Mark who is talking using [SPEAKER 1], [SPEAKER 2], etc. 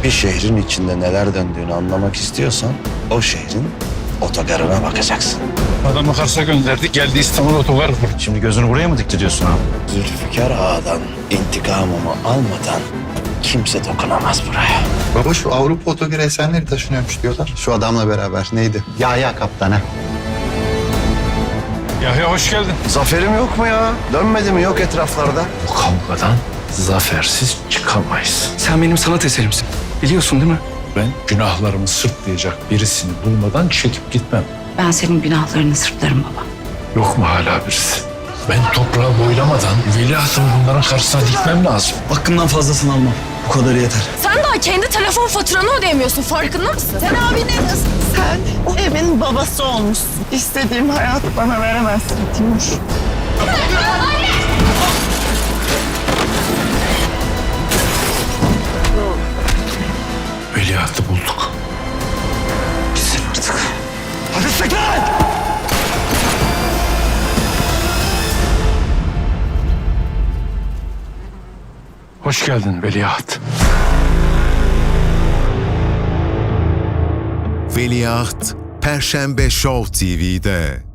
[SPEAKER 1] Bir şehrin içinde neler döndüğünü anlamak istiyorsan o şehrin otogarına bakacaksın.
[SPEAKER 2] Adamı Kars'a gönderdik, geldi İstanbul otogar kurdu.
[SPEAKER 1] Şimdi gözünü buraya mı diktiriyorsun abi? Zülfikar Ağa'dan intikamımı almadan kimse dokunamaz buraya.
[SPEAKER 3] Baba şu Avrupa Otogar Esenleri taşınıyormuş diyorlar. Şu adamla beraber neydi? Ya kaptana.
[SPEAKER 2] Yahya hoş geldin.
[SPEAKER 1] Zaferim yok mu ya? Dönmedi mi yok etraflarda?
[SPEAKER 2] Bu kavgadan zafersiz çıkamayız.
[SPEAKER 4] Sen benim sanat eserimsin. Biliyorsun değil mi?
[SPEAKER 2] Ben günahlarımı sırtlayacak birisini bulmadan çekip gitmem.
[SPEAKER 5] Ben senin günahlarını sırtlarım baba.
[SPEAKER 2] Yok mu hala birisi? Ben toprağı boylamadan veliahtımı bunların karşısına dikmem lazım.
[SPEAKER 4] Hakkımdan fazlasını almam. Bu kadarı yeter.
[SPEAKER 6] Sen daha kendi telefon faturanı ödeyemiyorsun, farkında mısın?
[SPEAKER 7] Sen abi ne diyorsun? Sen o evin babası olmuşsun. İstediğim hayatı bana veremezsin Timur.
[SPEAKER 2] Veliahtı bulduk.
[SPEAKER 4] Gitsin artık.
[SPEAKER 2] Hoş geldin veliaht.
[SPEAKER 8] Veliaht Perşembe Show TV'de.